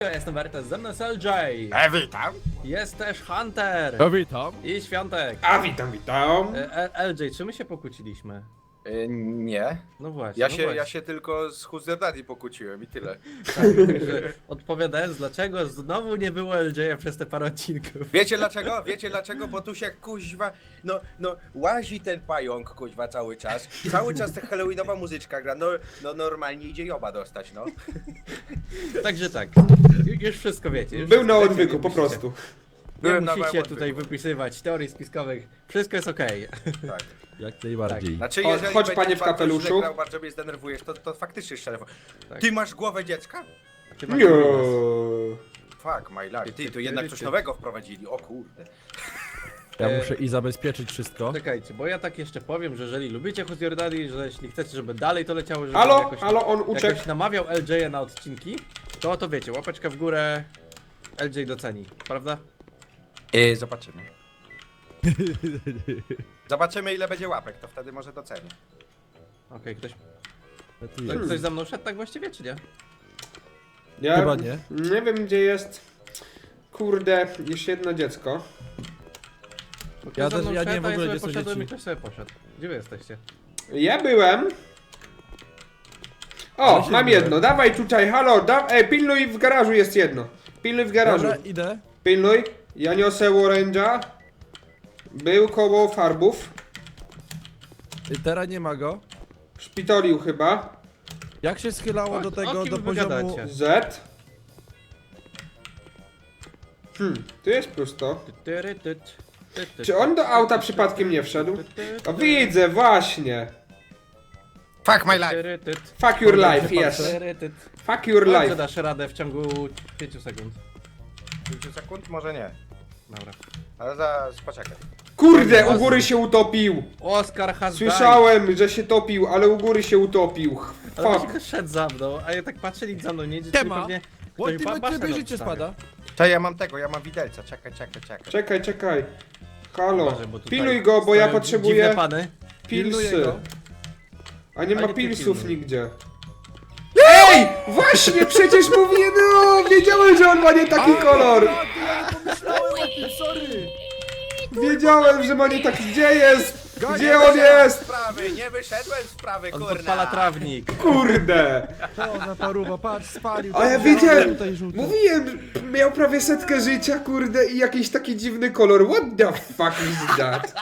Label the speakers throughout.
Speaker 1: Ja jestem Wertes, ze mną jest LJ.
Speaker 2: Witam.
Speaker 1: Jest też Hunter.
Speaker 3: Witam.
Speaker 1: I Świątek.
Speaker 2: A witam.
Speaker 1: LJ, czy my się pokłóciliśmy?
Speaker 4: Nie.
Speaker 1: No właśnie.
Speaker 4: Ja się tylko z Who's Daddy pokłóciłem i tyle.
Speaker 1: Tak, także odpowiadając, dlaczego znowu nie było LJ przez te parę odcinków.
Speaker 4: Wiecie dlaczego? Wiecie dlaczego? Bo tu się kuźwa, no łazi ten pająk kuźwa cały czas. Cały czas ta halloweenowa muzyczka gra, no normalnie idzie joba dostać, no.
Speaker 1: Także tak, już wszystko wiecie. Już
Speaker 2: Był na
Speaker 1: wszystko
Speaker 2: odwyku,
Speaker 1: wiecie,
Speaker 2: po
Speaker 1: nie
Speaker 2: prostu.
Speaker 1: Nie
Speaker 4: Byłem na
Speaker 1: musicie
Speaker 4: małym
Speaker 1: tutaj
Speaker 4: odwyku.
Speaker 1: wypisywać teorii spiskowych. Wszystko jest okej.
Speaker 4: Tak.
Speaker 3: Jak najbardziej.
Speaker 4: Znaczy,
Speaker 2: Chodź,
Speaker 4: jeżeli
Speaker 2: chodź,
Speaker 4: będziesz
Speaker 2: panie w
Speaker 4: bardzo
Speaker 2: kapeluszu.
Speaker 4: źle grał, bardzo mnie zdenerwujesz, to faktycznie szczerze.
Speaker 1: Tak.
Speaker 4: Ty masz głowę dziecka?
Speaker 1: Ty masz
Speaker 2: Nie.
Speaker 4: Fuck my life. Ty, to jednak coś nowego wprowadzili, o kurde.
Speaker 3: Ja muszę i zabezpieczyć wszystko.
Speaker 1: Czekajcie, bo ja tak jeszcze powiem, że jeżeli lubicie Who's Your Daddy, że jeśli chcecie, żeby dalej to leciało, żeby
Speaker 2: Halo,
Speaker 1: jakoś,
Speaker 2: halo, on uciekł.
Speaker 1: jakoś namawiał LJ na odcinki, to wiecie, łapeczka w górę, LJ doceni, prawda?
Speaker 4: Zobaczymy. Zobaczymy ile będzie łapek, to wtedy może docenię.
Speaker 1: Okej,
Speaker 3: Tu jest.
Speaker 1: ktoś za mną szedł tak właściwie, czy nie?
Speaker 2: Ja
Speaker 3: Chyba nie.
Speaker 2: Nie wiem gdzie jest. Kurde, jeszcze jedno dziecko.
Speaker 1: Bo
Speaker 3: Ja
Speaker 1: ktoś za
Speaker 3: też-
Speaker 1: mną
Speaker 3: ja nie
Speaker 1: szedł,
Speaker 3: w
Speaker 1: a
Speaker 3: ogóle,
Speaker 1: sobie
Speaker 3: gdzie są
Speaker 1: poszedłem
Speaker 3: dzieci.
Speaker 1: i ktoś sobie poszedł. Gdzie wy jesteście?
Speaker 2: Ja byłem. O,
Speaker 3: Ale się
Speaker 2: mam
Speaker 3: byłem.
Speaker 2: jedno. Dawaj tutaj, halo, pilnuj w garażu jest jedno. Pilnuj w garażu.
Speaker 3: Dobra, idę.
Speaker 2: Pilnuj. Ja niosę oręża. Był koło farbów.
Speaker 3: Teraz nie ma go.
Speaker 2: Szpitolił chyba.
Speaker 3: Jak się schylało
Speaker 1: O
Speaker 3: do tego,
Speaker 1: kim
Speaker 3: do
Speaker 1: wy
Speaker 3: poziomu...
Speaker 1: gadacie?
Speaker 2: Z. Tu jest pusto. Czy on do auta przypadkiem nie wszedł? O, widzę, właśnie.
Speaker 4: Fuck my life.
Speaker 2: Fuck your life, yes. Fuck your
Speaker 1: Czy
Speaker 2: life.
Speaker 1: dasz radę w ciągu 5 sekund?
Speaker 4: 5 sekund? Może nie.
Speaker 1: Dobra.
Speaker 4: Ale zaraz poczekaj.
Speaker 2: Kurde, u góry się utopił.
Speaker 1: Oscar has died.
Speaker 2: Słyszałem, że się topił, ale u góry się utopił.
Speaker 1: Ale
Speaker 2: Fuck.
Speaker 1: ktoś szedł za mną, a ja tak patrzę, nic za mną nie idzie,
Speaker 3: Nie
Speaker 1: czyli
Speaker 3: ma.
Speaker 1: pewnie
Speaker 3: Bo
Speaker 1: ktoś
Speaker 3: ty
Speaker 1: basen
Speaker 3: tobie życie
Speaker 1: odstawia.
Speaker 3: spada.
Speaker 4: Cześć, ja mam widelca, czekaj.
Speaker 2: Czekaj, czekaj. Halo.
Speaker 1: Uważaj, bo tutaj
Speaker 2: Pilnuj go, bo ja
Speaker 1: stoją
Speaker 2: potrzebuję
Speaker 1: dziwne pany.
Speaker 3: Pilnuję
Speaker 2: pilsy.
Speaker 3: go.
Speaker 2: A nie
Speaker 1: A
Speaker 2: ma
Speaker 1: nie ty
Speaker 2: pilsów
Speaker 1: pilnuj.
Speaker 2: nigdzie. Ej! Właśnie, przecież mówię, no! Wiedziałem, że on ma nie taki kolor!
Speaker 3: Ja nie pomyślałem o tym, sorry.
Speaker 2: Wiedziałem, że ma nie taki... Gdzie jest?
Speaker 3: Gdzie
Speaker 2: Gdzie on jest?
Speaker 4: Sprawy, nie wyszedłem z sprawy,
Speaker 1: On
Speaker 4: kurna.
Speaker 1: podpala trawnik.
Speaker 2: Kurde!
Speaker 3: To za paruwa, patrz, spalił.
Speaker 2: A ja
Speaker 3: tam,
Speaker 2: wiedziałem,
Speaker 3: tutaj żółty.
Speaker 2: mówiłem, miał prawie 100 życia, kurde, i jakiś taki dziwny kolor. What the fuck is that?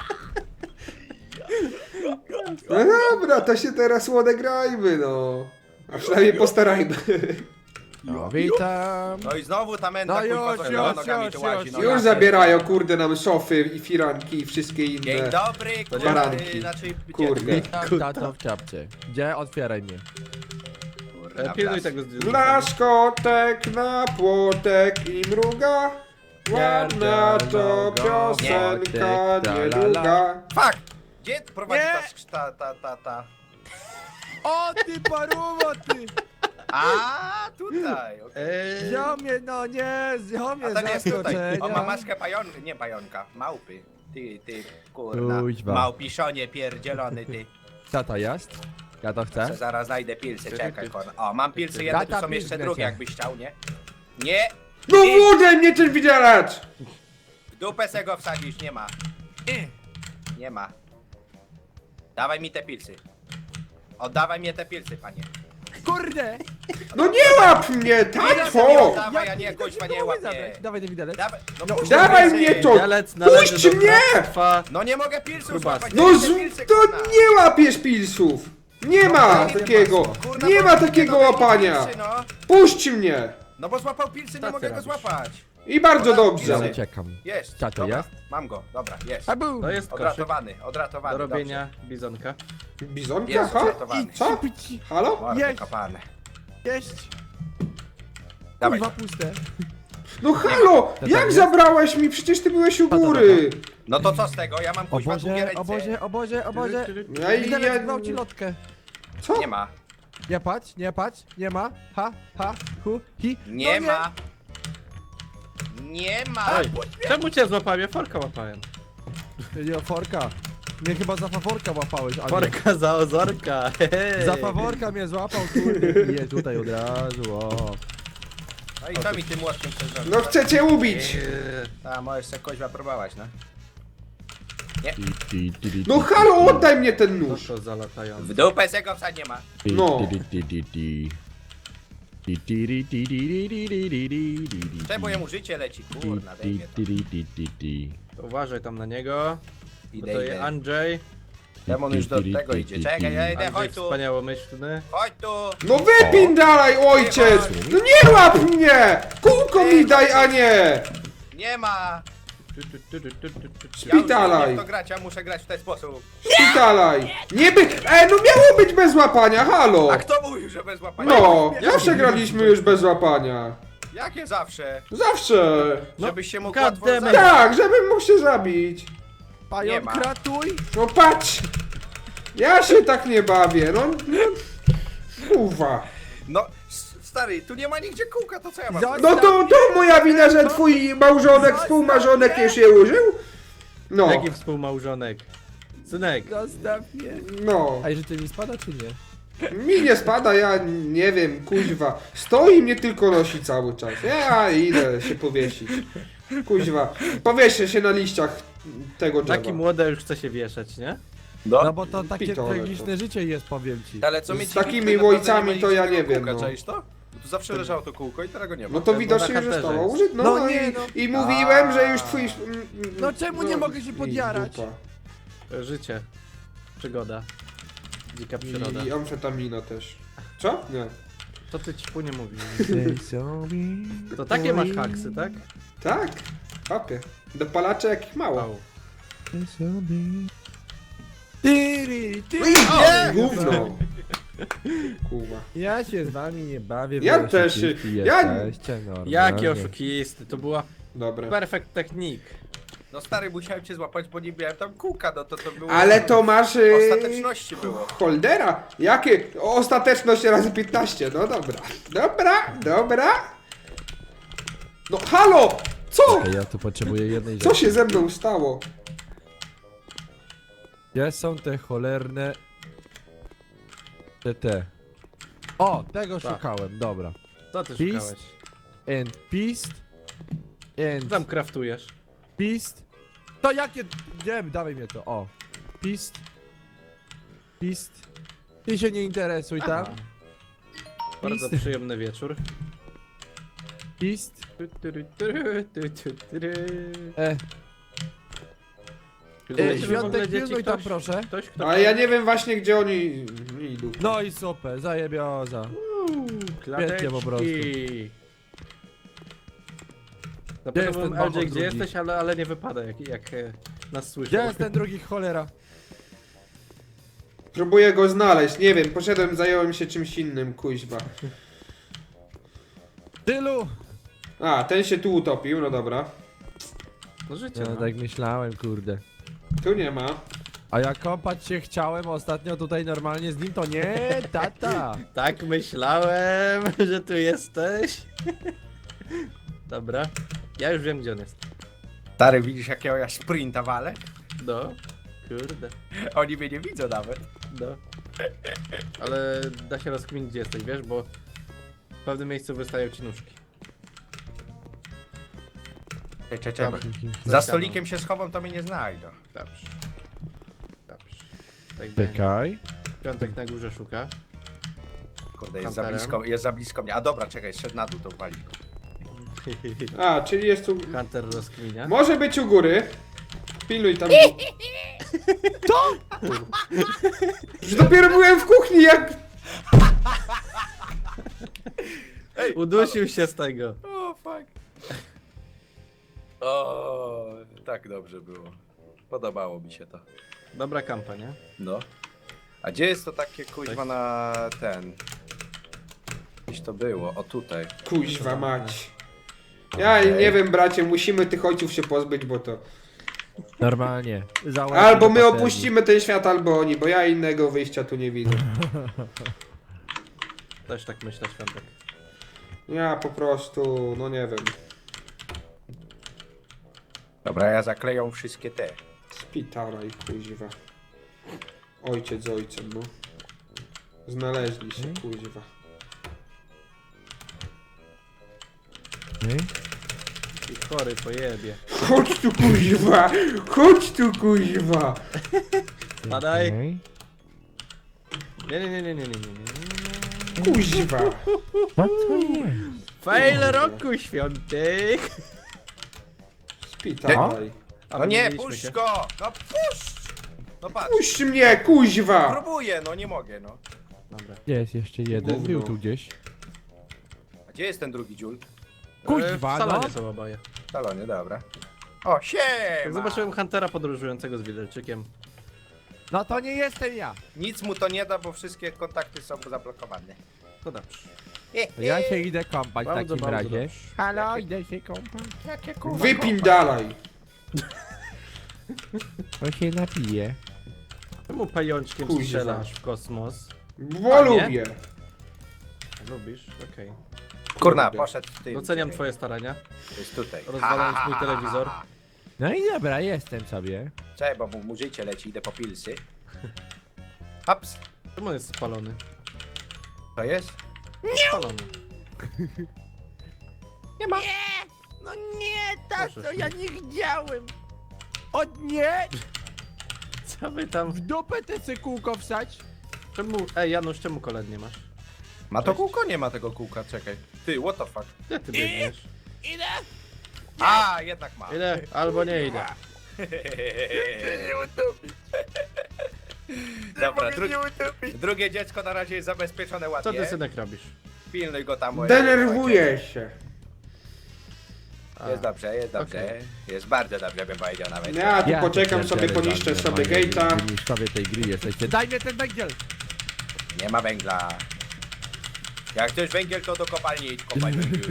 Speaker 2: No dobra, to się teraz odegrajmy, no. A przynajmniej postarajmy.
Speaker 3: No, witam.
Speaker 4: No i znowu ta menda
Speaker 3: No
Speaker 4: kurwa
Speaker 3: już,
Speaker 4: za
Speaker 3: już,
Speaker 4: nogami
Speaker 3: już,
Speaker 4: tu łazi.
Speaker 3: już.
Speaker 4: no
Speaker 2: Już
Speaker 4: ja
Speaker 2: zabierają, kurde, nam szofy i firanki i wszystkie
Speaker 4: Dzień
Speaker 2: inne.
Speaker 4: dobry, kurwa,
Speaker 2: baranki.
Speaker 4: znaczy...
Speaker 2: Kurde.
Speaker 3: Witam, tato w czapce. Gdzie? Otwieraj mnie.
Speaker 4: Kurna,
Speaker 1: Pilnuj
Speaker 4: blas.
Speaker 1: tego
Speaker 2: Nasz kotek na płotek i mruga. Ładna to piosenka niedługa.
Speaker 4: Fuck! Gdzie prowadzi
Speaker 3: Nie.
Speaker 4: ta?
Speaker 3: O ty paruwo, ty!
Speaker 4: A tutaj, okej.
Speaker 3: Ziomie, no nie, ziomie,
Speaker 4: A to nie jest tutaj.
Speaker 3: zaskoczenia.
Speaker 4: On ma maskę pająka, nie pająka, małpy. Ty, kurna.
Speaker 3: Kuźwa.
Speaker 4: Małpiszonie pierdzielony, ty.
Speaker 3: Tata jest? Ja to chcę.
Speaker 4: Se zaraz znajdę pilsy, czekaj, kurna. O, mam pilsy jedne, tu
Speaker 3: Tata
Speaker 4: są jeszcze
Speaker 3: pilsy
Speaker 4: drugie,
Speaker 3: lecie.
Speaker 4: jakbyś chciał, nie? Nie!
Speaker 2: No wódę mnie ten widelec!
Speaker 4: W dupę se go wsadzisz, nie ma. Nie ma. Dawaj mi te pilsy. Oddawaj mi te pilsy, panie.
Speaker 3: Kurde!
Speaker 2: No nie łap mnie, tato!
Speaker 4: Dawaj, a nie, kuźwa, nie łap mnie.
Speaker 3: Dawaj ten widelec.
Speaker 4: Dawaj, puść
Speaker 2: Dawaj
Speaker 4: pilsy.
Speaker 2: mnie to!
Speaker 1: Widelec należy
Speaker 2: Puść
Speaker 1: do
Speaker 2: mnie!
Speaker 1: bractwa.
Speaker 4: No nie mogę pilsów
Speaker 1: Grubasy.
Speaker 4: złapać,
Speaker 2: No
Speaker 4: daj mi
Speaker 2: z...
Speaker 4: te pilsy,
Speaker 2: to
Speaker 4: kurna.
Speaker 2: nie łapiesz pilsów! Nie ma takiego!
Speaker 4: Kurna,
Speaker 2: Nie
Speaker 4: bo
Speaker 2: ma
Speaker 4: nie
Speaker 2: takiego
Speaker 4: dodaj mi
Speaker 2: łapania!
Speaker 4: pilsy, no.
Speaker 2: Puść mnie!
Speaker 4: No bo złapał pilsy, nie
Speaker 1: Co
Speaker 4: mogę
Speaker 1: ty
Speaker 4: go
Speaker 1: robisz?
Speaker 4: złapać.
Speaker 2: I bardzo
Speaker 3: Ja
Speaker 2: dobrze.
Speaker 3: uciekam.
Speaker 4: Jest.
Speaker 3: Co to
Speaker 4: dobra,
Speaker 3: jest?
Speaker 4: Mam go, dobra, jest.
Speaker 3: A był!
Speaker 1: To jest koszyk
Speaker 4: Odratowany,
Speaker 1: do robienia bizonka.
Speaker 4: dobrze.
Speaker 2: Bizonka,
Speaker 4: Jest
Speaker 2: ha?
Speaker 4: odratowany.
Speaker 2: Co? Halo?
Speaker 4: Mordę
Speaker 3: Jeść.
Speaker 4: kopane.
Speaker 3: Jeść!
Speaker 4: Dawaj.
Speaker 3: Kurwa puste.
Speaker 2: No halo!
Speaker 3: tak
Speaker 2: Jak
Speaker 3: jest?
Speaker 2: zabrałeś mi? Przecież ty byłeś u
Speaker 3: Tata,
Speaker 2: góry!
Speaker 4: No to co z tego? Ja mam
Speaker 3: O
Speaker 4: kuźwa długie
Speaker 3: Boże,
Speaker 4: ręce.
Speaker 3: o Boże, o Boże, o Boże.
Speaker 2: Ja i
Speaker 3: Widelec
Speaker 2: ja...
Speaker 3: gwałci lotkę.
Speaker 2: Co?
Speaker 4: Nie ma.
Speaker 3: Nie patrz, nie patrz, nie ma. Ha, ha, hu, hi.
Speaker 4: Nie
Speaker 3: No
Speaker 4: ma. Nie ma.
Speaker 1: Oj, czemu cię złapałem? Ja forka łapałem.
Speaker 3: Nie, forka. Mnie chyba za faworka łapałeś, a nie.
Speaker 1: Forka za ozorka. Hej.
Speaker 3: Za faworka mnie złapał, kurde. Je tutaj od razu, o.
Speaker 4: A i to mi tym młotkiem chcesz zrobić.
Speaker 2: No chcę cię ubić!
Speaker 4: A, możesz se koźwa próbować, no.
Speaker 2: No halo, oddaj mnie ten
Speaker 1: No
Speaker 2: nóż!
Speaker 1: to zalatający.
Speaker 4: W dupę se go wsadź nie ma.
Speaker 2: No.
Speaker 4: Czemu jemu życie leci? Kurna, dejmie to.
Speaker 1: To uważaj tam na niego. Bo
Speaker 4: Idę,
Speaker 1: to jest
Speaker 4: idę.
Speaker 1: Andrzej.
Speaker 4: Demon już do tego idzie. Czekaj, ja idę,
Speaker 1: Andrzej
Speaker 4: chodź tu.
Speaker 1: wspaniałomyślny.
Speaker 4: Chodź tu.
Speaker 2: No wypin dalej, ojciec! No nie łap mnie! Kółko mi daj, a nie!
Speaker 4: Nie ma.
Speaker 2: Szpitalaj.
Speaker 4: Ja już nie wiem, w to grać, ja muszę grać w ten sposób.
Speaker 2: Szpitalaj! Nie by... no miało być bez łapania, halo!
Speaker 4: A kto mówił, że bez łapania?
Speaker 2: No, zawsze graliśmy już bez łapania.
Speaker 4: Jakie zawsze?
Speaker 2: Zawsze!
Speaker 4: Żebyś się mógł
Speaker 1: God
Speaker 4: łatwo
Speaker 1: damn it.
Speaker 4: zabić.
Speaker 2: Tak, żebym mógł się zabić.
Speaker 4: Nie
Speaker 3: Pająk,
Speaker 4: ma.
Speaker 3: ratuj!
Speaker 2: No patrz! Ja się tak nie bawię, no... Kurwa.
Speaker 4: No, stary, tu nie ma nigdzie kółka, to co ja mam?
Speaker 3: Za-
Speaker 2: No to moja wina, że twój małżonek, współmarzonek już je użył? No,
Speaker 1: Jaki współmałżonek? Synek.
Speaker 3: Zostaw mnie.
Speaker 2: no.
Speaker 3: A życie mi spada, czy nie?
Speaker 2: Mi nie spada, ja nie wiem, kuźwa. Stoi mnie tylko nosi cały czas. Ja idę się powiesić. Kuźwa. Powieszę się na liściach tego drzewa.
Speaker 1: Taki młody już chce się wieszać, nie?
Speaker 3: No bo to takie
Speaker 2: Pitole
Speaker 3: tragiczne życie jest, powiem ci.
Speaker 4: Ale co
Speaker 2: Z
Speaker 4: mi ci
Speaker 2: takimi
Speaker 4: tutaj naprawdę
Speaker 2: ojcami
Speaker 4: nie
Speaker 2: to
Speaker 4: ma
Speaker 2: ja
Speaker 4: nigdzie
Speaker 2: nie
Speaker 4: tego
Speaker 2: wiem,
Speaker 4: kółka,
Speaker 2: no.
Speaker 4: czaisz to? Bo tu zawsze leżało to kółko i teraz go nie ma.
Speaker 2: No to
Speaker 1: Bo
Speaker 2: widocznie
Speaker 1: na
Speaker 2: już
Speaker 1: kanterze
Speaker 2: zostało
Speaker 1: jest.
Speaker 2: użyte. No,
Speaker 3: No nie,
Speaker 2: i,
Speaker 3: no.
Speaker 2: i mówiłem, że już twój...
Speaker 3: No czemu nie mogę się podjarać?
Speaker 2: dupa.
Speaker 1: Życie. Przygoda. Dzika przyroda.
Speaker 2: I amfetamina też. Co? Nie.
Speaker 1: Co ty ćpu nie mówisz? To takie masz haksy, tak?
Speaker 2: Tak? Papie. Dopalacze jakich mało.
Speaker 1: Wow.
Speaker 2: Gówno. Kurwa.
Speaker 3: Ja się z wami nie bawię.
Speaker 2: Ja
Speaker 3: wy
Speaker 2: też się-
Speaker 3: oszukiści
Speaker 2: ja-
Speaker 3: jesteście, normalnie.
Speaker 1: Jaki oszukisty, to była
Speaker 2: Dobra.
Speaker 1: perfect technique.
Speaker 4: No stary, musiałem cię złapać, bo nie miałem tam kółka, no to było...
Speaker 2: Ale to masz...
Speaker 4: Ostateczności było.
Speaker 2: Holdera? Jakie? Ostateczność razy 15. No dobra. Dobra. No halo! Co?
Speaker 3: Czekaj, ja tu potrzebuję jednej
Speaker 2: Co
Speaker 3: rzeczy.
Speaker 2: się ze mną stało?
Speaker 3: Gdzie są te cholerne... Te. O, tego
Speaker 1: Tak.
Speaker 3: szukałem, dobra.
Speaker 1: Co ty
Speaker 3: Beast?
Speaker 1: szukałeś?
Speaker 3: And Beast.
Speaker 1: Co tam kraftujesz?
Speaker 3: Beast. To jakie... Nie, dawaj mnie to, o. Beast. Ty się nie interesuj tam.
Speaker 1: Aha. Bardzo
Speaker 3: Beast.
Speaker 1: przyjemny wieczór.
Speaker 3: Beast.
Speaker 1: E,
Speaker 3: Świątek, pilnuj tam proszę.
Speaker 1: Ktoś, kto...
Speaker 2: A ja nie wiem właśnie gdzie oni idą.
Speaker 3: No i super, zajebioza.
Speaker 1: Klateczki.
Speaker 3: po prostu.
Speaker 1: Zapytam
Speaker 3: jest ten
Speaker 1: LJ,
Speaker 3: bambor
Speaker 1: gdzie
Speaker 3: drugi?
Speaker 1: jesteś, ale nie wypada, jak nas słyszy.
Speaker 3: Gdzie jest ten drugi cholera?
Speaker 2: Próbuję go znaleźć, nie wiem, poszedłem, zająłem się czymś innym, kuźwa.
Speaker 3: Tylu!
Speaker 2: A, ten się tu utopił, no dobra.
Speaker 1: No życie,
Speaker 3: Ja
Speaker 1: no.
Speaker 3: tak myślałem, kurde.
Speaker 2: Tu nie ma.
Speaker 3: A ja kąpać się chciałem ostatnio tutaj normalnie z nim, to nie, tata.
Speaker 1: Tak myślałem, że tu jesteś. Dobra. Ja już wiem, gdzie on jest.
Speaker 4: Stary, widzisz jakiego ja sprinta walę?
Speaker 1: No. Kurde.
Speaker 4: Oni mnie nie widzą nawet.
Speaker 1: No. Ale da się rozkminić, gdzie jesteś, wiesz, bo w pewnym miejscu wystają ci nóżki.
Speaker 4: Czekaj. Za stolikiem się schowam, to mnie nie znajdą.
Speaker 1: Dobrze. Dobrze. Tak będzie.
Speaker 3: Czekaj.
Speaker 1: Piątek na górze szuka.
Speaker 4: Kurde,
Speaker 1: Hunterem.
Speaker 4: jest za blisko mnie. A dobra, czekaj, szedł na dół, to wali.
Speaker 2: A, czyli jest tu...
Speaker 1: Hunter rozkminia.
Speaker 2: Może być u góry. Pilnuj tam. Już dopiero byłem w kuchni, jak...
Speaker 1: Udusił się z tego.
Speaker 4: O, fuck. O, tak dobrze było. Podobało mi się to.
Speaker 1: Dobra kampa, nie?
Speaker 4: No. A gdzie jest to takie kuźwa na ten? Gdzieś to było, o tutaj.
Speaker 2: Kuźwa mać. Ja nie wiem, bracie, musimy tych ojców się pozbyć, bo to...
Speaker 3: Normalnie.
Speaker 2: Albo my opuścimy ten świat, albo oni, bo ja innego wyjścia tu nie widzę.
Speaker 1: Też tak myślę, Świątek.
Speaker 2: Ja po prostu, no nie wiem.
Speaker 4: Dobra, ja zakleją wszystkie te.
Speaker 2: Spitala i kuźwa. Ojciec z ojcem, no. Znaleźli się, kuźwa.
Speaker 1: I chory pojebie.
Speaker 2: Chodź tu kuźwa! Chodź tu kuźwa!
Speaker 1: Padaj.
Speaker 3: Okej.
Speaker 1: Nie.
Speaker 2: Kuźwa!
Speaker 3: Co to jest?
Speaker 1: Fail roku świątek.
Speaker 2: Spitalaj.
Speaker 4: No nie,
Speaker 1: Mieliśmy
Speaker 4: puść
Speaker 1: się.
Speaker 4: go! No puść! No patrz,
Speaker 2: Puść mnie, kuźwa!
Speaker 4: próbuję, no nie mogę, no.
Speaker 1: Dobra.
Speaker 3: Jest jeszcze jeden,
Speaker 2: Gówno.
Speaker 3: był tu gdzieś.
Speaker 4: A gdzie jest ten drugi dziul?
Speaker 3: Kuźwa,
Speaker 1: W salonie
Speaker 3: no.
Speaker 1: są oboje.
Speaker 4: W salonie, dobra. O, siema!
Speaker 1: Jak zobaczyłem Huntera podróżującego z widelczykiem.
Speaker 3: No to nie jestem ja.
Speaker 4: Nic mu to nie da, bo wszystkie kontakty są zablokowane.
Speaker 1: To dobrze.
Speaker 3: To ja się idę kąpać w
Speaker 1: Bardzo,
Speaker 3: takim
Speaker 1: bardzo
Speaker 3: razie.
Speaker 1: dobrze.
Speaker 3: Halo, idę się kąpać.
Speaker 4: Jakie kurwa
Speaker 2: Wypindalaj!
Speaker 3: Bo się napiję.
Speaker 1: Czemu pajączkiem
Speaker 2: Kuźwa.
Speaker 1: strzelasz w kosmos?
Speaker 2: Bo
Speaker 1: A, nie?
Speaker 2: lubię.
Speaker 1: Lubisz? Okej.
Speaker 4: Kurna, poszedł w tym.
Speaker 1: Doceniam twoje starania.
Speaker 4: To jest tutaj.
Speaker 1: Rozwalając mój telewizor.
Speaker 3: No i dobra, jestem sobie.
Speaker 4: Cześć, bo mu życie leci, idę po pilsy. Hops.
Speaker 1: Czemu on jest spalony?
Speaker 4: To jest?
Speaker 1: Spalony.
Speaker 4: Nie ma.
Speaker 3: No nie,
Speaker 1: Proszę.
Speaker 3: tato, ja nie chciałem. O nie!
Speaker 1: Co wy tam?
Speaker 3: W dupę te se kółko wsać.
Speaker 1: Czemu? Ej, Janusz, czemu koled nie masz?
Speaker 4: Ma to kółko? Nie ma tego kółka, czekaj. Ty, what the fuck?
Speaker 1: Gdzie ty biegniesz?
Speaker 3: Idę!
Speaker 4: A, jednak ma.
Speaker 1: Idę albo nie idę.
Speaker 4: Dobra, drugie dziecko na razie jest zabezpieczone
Speaker 1: Co
Speaker 4: ładnie.
Speaker 1: ty, synek, robisz?
Speaker 4: Pilnuj go tam.
Speaker 2: Denerwuję się.
Speaker 1: A,
Speaker 4: Jest dobrze, jest dobrze.
Speaker 1: Okej.
Speaker 4: Jest bardzo dobrze, bym powiedział nawet.
Speaker 2: Ja tu
Speaker 3: Ja
Speaker 2: poczekam
Speaker 3: tu
Speaker 2: sobie,
Speaker 3: pierdzielę
Speaker 2: poniszczę
Speaker 3: wam,
Speaker 2: sobie
Speaker 3: normalnie,
Speaker 2: gate'a.
Speaker 3: Mistrzowie tej gry jesteście. Daj mnie ten węgiel!
Speaker 4: Nie ma węgla. Jak chcesz węgiel, to do kopalni idź, kopaj węgiel.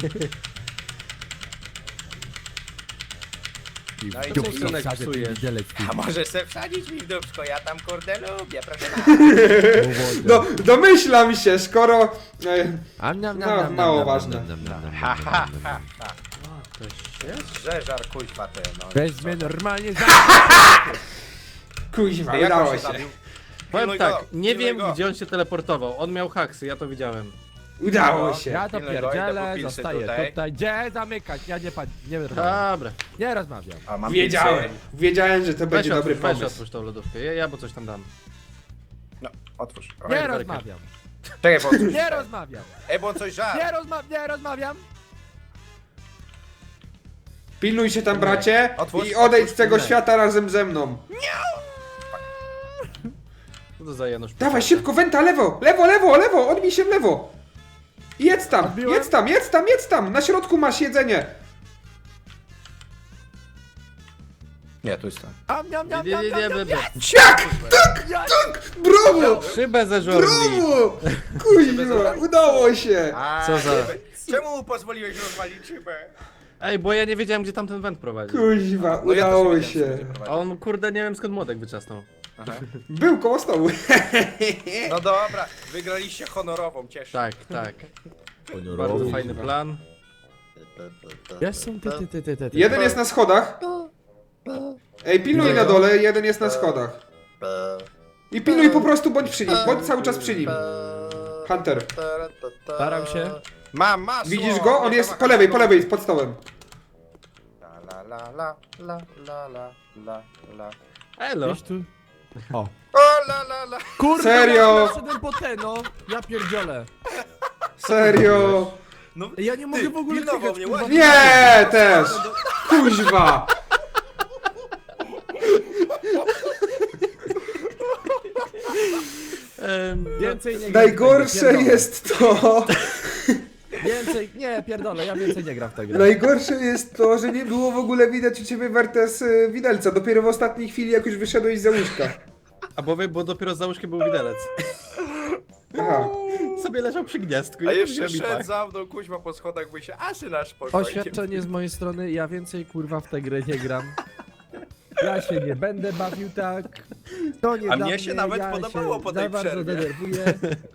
Speaker 3: I
Speaker 4: No i
Speaker 3: w
Speaker 4: co,
Speaker 3: dupę
Speaker 1: synek,
Speaker 3: wsadzę ten
Speaker 1: psujesz?
Speaker 3: widelec.
Speaker 4: A może se wsadzić mi w dupsko, ja tam kurde lubię, proszę.
Speaker 2: No, domyślam się, skoro... No, mało ważne.
Speaker 4: Ha, ha, ha, ha.
Speaker 1: Ktoś jest?
Speaker 4: Żeżar kuźwa ty, no.
Speaker 3: Weźmy normalnie za...
Speaker 2: Kuźwa,
Speaker 4: Jak on
Speaker 2: udało
Speaker 4: się
Speaker 2: się.
Speaker 4: zabił?
Speaker 1: Powiem
Speaker 4: Pilnuj
Speaker 1: tak,
Speaker 4: go,
Speaker 1: nie
Speaker 4: pilnuj
Speaker 1: wiem
Speaker 4: go.
Speaker 1: gdzie on się teleportował. On miał haksy, ja to widziałem.
Speaker 2: Udało się.
Speaker 3: Ja to
Speaker 4: Pilnuj go, idę
Speaker 3: pierdzielę,
Speaker 4: po pilsy
Speaker 3: zostaję
Speaker 4: tutaj.
Speaker 3: tutaj. Gdzie zamykać? Ja nie rozmawiam.
Speaker 1: Dobra.
Speaker 3: Nie rozmawiam.
Speaker 4: A, mam
Speaker 2: Wiedziałem.
Speaker 4: pilsy.
Speaker 2: Wiedziałem, że to
Speaker 1: Weź
Speaker 2: będzie dobry
Speaker 1: otwórz, weź
Speaker 2: pomysł.
Speaker 1: otwórz tą lodówkę. Ja bo coś tam dam.
Speaker 4: No, otwórz. O,
Speaker 3: Nie
Speaker 1: Werkę.
Speaker 3: rozmawiam.
Speaker 4: Czekaj, bo on coś...
Speaker 3: Nie rozmawiam.
Speaker 4: Ej, bo on coś żar.
Speaker 3: Nie rozmawiam.
Speaker 2: Pilnuj się tam, bracie,
Speaker 4: Otwórz,
Speaker 2: i odejdź
Speaker 4: otwórz,
Speaker 2: z tego
Speaker 1: pilnuj.
Speaker 2: świata razem ze mną.
Speaker 1: Co to za Janusz?
Speaker 2: Dawaj, szybko, wenta, lewo, lewo, lewo, lewo, odbij się w lewo. I jedz tam,
Speaker 3: Odbiłem?
Speaker 2: jedz tam, jedz tam, jedz tam, na środku masz jedzenie.
Speaker 4: Nie, tu jest to.
Speaker 2: Siak, tak, brawo,
Speaker 1: Szybę ze żorni.
Speaker 2: brawo, kuźwa, udało się.
Speaker 1: Co za-
Speaker 4: Czemu mu pozwoliłeś rozwalić szybę?
Speaker 1: Ej, bo ja nie wiedziałem gdzie tamten węd prowadzi.
Speaker 2: Kuźwa,
Speaker 4: No ja też
Speaker 2: udało
Speaker 4: nie wiedziałem, co
Speaker 2: się.
Speaker 4: będzie prowadzić.
Speaker 1: A on kurde nie wiem skąd młodek wyczasnął.
Speaker 4: Aha.
Speaker 2: Był koło stołu.
Speaker 4: No dobra, wygraliście honorową, cieszę.
Speaker 1: Tak, tak. Bardzo fajny plan.
Speaker 3: Jestem ty.
Speaker 2: Jeden jest na schodach. Ej, pilnuj na dole, jeden jest na schodach. I pilnuj po prostu, bądź przy nim, bądź cały czas przy nim. Hunter,
Speaker 3: Staram się.
Speaker 4: Mam masło!
Speaker 2: widzisz go? On jest po lewej, pod stołem.
Speaker 4: La la la la la la la la.
Speaker 1: Elo.
Speaker 3: Gdzieś tu. O.
Speaker 4: O la la la!
Speaker 3: Kurde,
Speaker 2: Serio?
Speaker 3: ja wszedłem po te, no. Ja pierdzielę.
Speaker 2: Serio?
Speaker 4: No,
Speaker 3: Ja nie mogę w ogóle
Speaker 4: pilnował
Speaker 3: klikać,
Speaker 4: mnie,
Speaker 3: kurwa.
Speaker 4: ładnie.
Speaker 2: Nie, też. Kuźwa.
Speaker 3: Więcej nie gram.
Speaker 2: Najgorsze
Speaker 3: Pierdolę.
Speaker 2: jest to...
Speaker 3: Więcej, nie, pierdolę, ja więcej nie gram w tę grę.
Speaker 2: Najgorsze jest to, że nie było w ogóle widać u ciebie Wertes widelca. Dopiero w ostatniej chwili, jak już wyszedłeś za łóżka.
Speaker 1: A bo dopiero za łóżkiem był widelec.
Speaker 2: Aha.
Speaker 1: Sobie leżał przy gniazdku.
Speaker 4: A
Speaker 1: i
Speaker 4: jeszcze
Speaker 1: robi
Speaker 4: szedł
Speaker 1: tak.
Speaker 4: za mną, kuźma po schodach, by się asy nasz spokojnie.
Speaker 3: Oświadczenie z mojej strony, ja więcej kurwa w tę grę nie gram. Ja się nie będę bawił tak. To nie
Speaker 4: A
Speaker 3: dla
Speaker 4: mnie się nawet
Speaker 3: ja
Speaker 4: podobało
Speaker 3: się
Speaker 4: po tej
Speaker 3: za bardzo
Speaker 4: przerwie.
Speaker 3: denerwuję.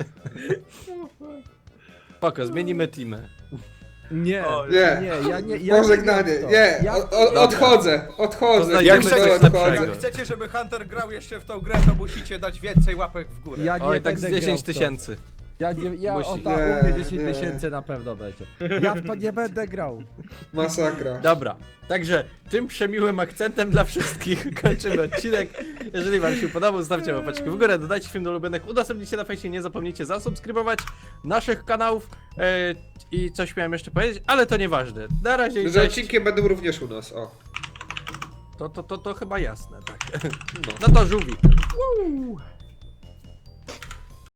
Speaker 1: Spoko, zmienimy teamę.
Speaker 3: Nie,
Speaker 4: O,
Speaker 2: Nie.
Speaker 3: ja nie. Ja
Speaker 2: Pożegnanie.
Speaker 3: gram w to.
Speaker 2: Nie,
Speaker 3: Ja-
Speaker 2: odchodzę. Odchodzę.
Speaker 1: Poznajemy
Speaker 2: wiesz
Speaker 1: coś
Speaker 2: co,
Speaker 1: lepszego.
Speaker 2: odchodzę.
Speaker 4: Jak chcecie, żeby Hunter grał jeszcze w tą grę, to musicie dać więcej łapek w górę.
Speaker 3: Ja nie
Speaker 1: Oj, tak z
Speaker 3: będę
Speaker 1: 10
Speaker 3: grał w to.
Speaker 1: 000.
Speaker 3: Ja
Speaker 1: Musi.
Speaker 3: o tak,
Speaker 2: Nie,
Speaker 3: u mnie 10
Speaker 2: nie.
Speaker 3: tysięcy na pewno będzie. Ja w to nie będę grał.
Speaker 2: Masakra.
Speaker 1: Dobra, także tym przemiłym akcentem dla wszystkich kończymy odcinek. Jeżeli wam się podobał, zostawcie łapeczkę w górę, dodajcie film do ulubionych, udostępnijcie na fejsie, nie zapomnijcie zasubskrybować naszych kanałów i coś miałem jeszcze powiedzieć, ale to nieważne. Na razie i
Speaker 2: Że
Speaker 1: cześć.
Speaker 2: odcinki będą również u nas, o.
Speaker 1: To chyba jasne, tak.
Speaker 2: No.
Speaker 1: No to żółwik.